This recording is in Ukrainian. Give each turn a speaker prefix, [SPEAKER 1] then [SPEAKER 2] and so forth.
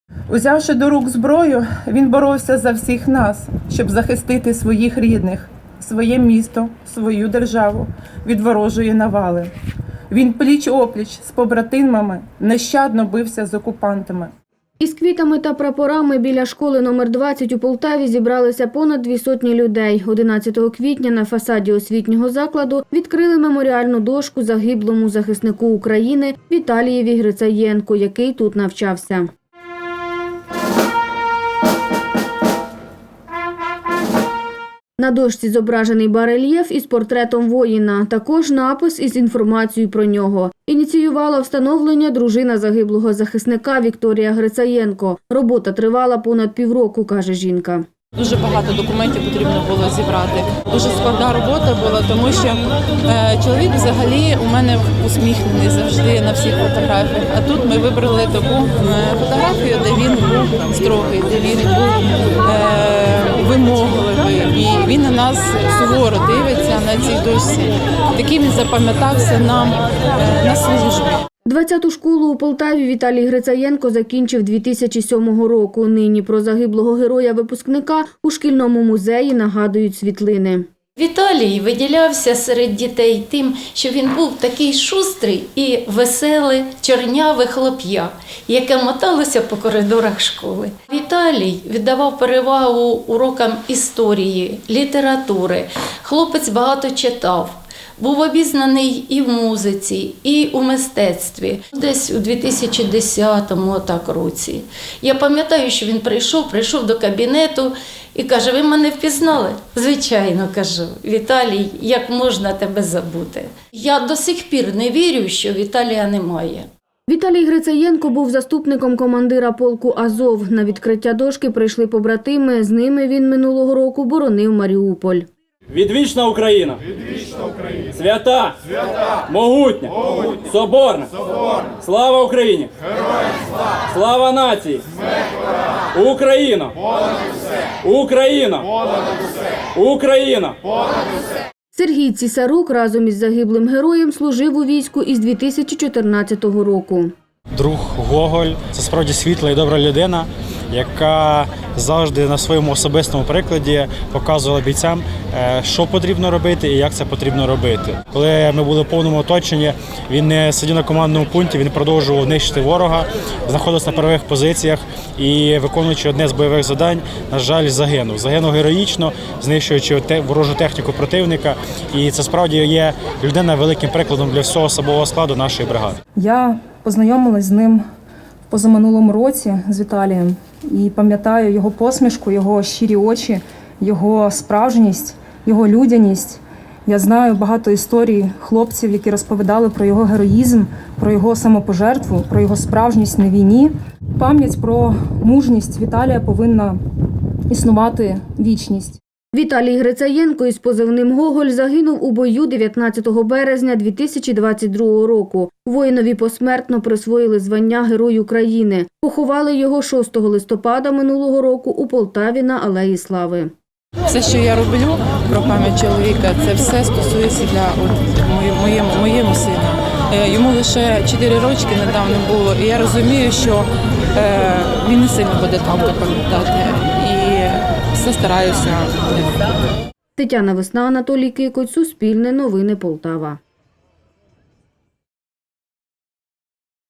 [SPEAKER 1] Узявши до рук зброю, він боровся за всіх нас, щоб захистити своїх рідних, своє місто, свою державу від ворожої навали. Він пліч-опліч з побратимами нещадно бився з окупантами.
[SPEAKER 2] Із квітами та прапорами біля школи номер 20 у Полтаві зібралися понад 200 людей. 11 квітня на фасаді освітнього закладу відкрили меморіальну дошку загиблому захиснику України Віталієві Грицаєнку, який тут навчався. На дошці зображений барельєф із портретом воїна, також напис із інформацією про нього. Ініціювала встановлення дружина загиблого захисника Вікторія Грицаєнко. Робота тривала понад півроку, каже жінка.
[SPEAKER 3] Дуже багато документів потрібно було зібрати. Дуже складна робота була, тому що чоловік взагалі у мене усміхнений завжди на всіх фотографіях. А тут ми вибрали таку фотографію, де він був строгий, де він був вимогливий. І він на нас суворо дивиться на цій дошці. Таким він запам'ятався нам на службі.
[SPEAKER 2] 20-ту школу у Полтаві Віталій Грицаєнко закінчив 2007 року. Нині про загиблого героя-випускника у шкільному музеї нагадують світлини.
[SPEAKER 4] Віталій виділявся серед дітей тим, що він був такий шустрий і веселий, чорняве хлоп'я, яке моталося по коридорах школи. Віталій віддавав перевагу урокам історії, літератури. Хлопець багато читав. Був обізнаний і в музиці, і у мистецтві. Десь у 2010 році. Я пам'ятаю, що він прийшов до кабінету і каже: "Ви мене впізнали?" "Звичайно", кажу. "Віталій, як можна тебе забути?" Я до сих пір не вірю, що Віталія немає.
[SPEAKER 2] Віталій Грицаєнко був заступником командира полку «Азов». На відкриття дошки прийшли побратими. З ними він минулого року боронив Маріуполь.
[SPEAKER 5] Відвічна Україна! Відвічна Україна! Свята! Свята! Могутня! Могутня! Соборна! Соборна! Слава Україні! Героям слава! Слава нації! Смерть ворогам! Україна! Понад усе! Україна! Понад усе! Україна! Понад усе!
[SPEAKER 2] Сергій Цісарук разом із загиблим героєм служив у війську із 2014 року.
[SPEAKER 6] Друг Гоголь – це справді світла і добра людина, яка завжди на своєму особистому прикладі показувала бійцям, що потрібно робити і як це потрібно робити. Коли ми були в повному оточенні, він не сидів на командному пункті, він продовжував нищити ворога, знаходився на передових позиціях і, виконуючи одне з бойових завдань, на жаль, загинув. Загинув героїчно, знищуючи ворожу техніку противника. І це справді є людина великим прикладом для всього особового складу нашої бригади.
[SPEAKER 7] Я познайомилась з ним в позаминулому році, з Віталієм, і пам'ятаю його посмішку, його щирі очі, його справжність, його людяність. Я знаю багато історій хлопців, які розповідали про його героїзм, про його самопожертву, про його справжність на війні. Пам'ять про мужність Віталія повинна існувати вічність.
[SPEAKER 2] Віталій Грицаєнко із позивним «Гоголь» загинув у бою 19 березня 2022 року. Воїнові посмертно присвоїли звання Герой України. Поховали його 6 листопада минулого року у Полтаві на Алеї Слави.
[SPEAKER 3] Все, що я роблю про пам'ять чоловіка, це все стосується для моєму сину. Йому лише 4 рочки недавно було, і я розумію, що він не сильно буде там пам'ятати. Все стараюся.
[SPEAKER 2] Тетяна Весна, Анатолій Кикоть, Суспільне новини Полтава.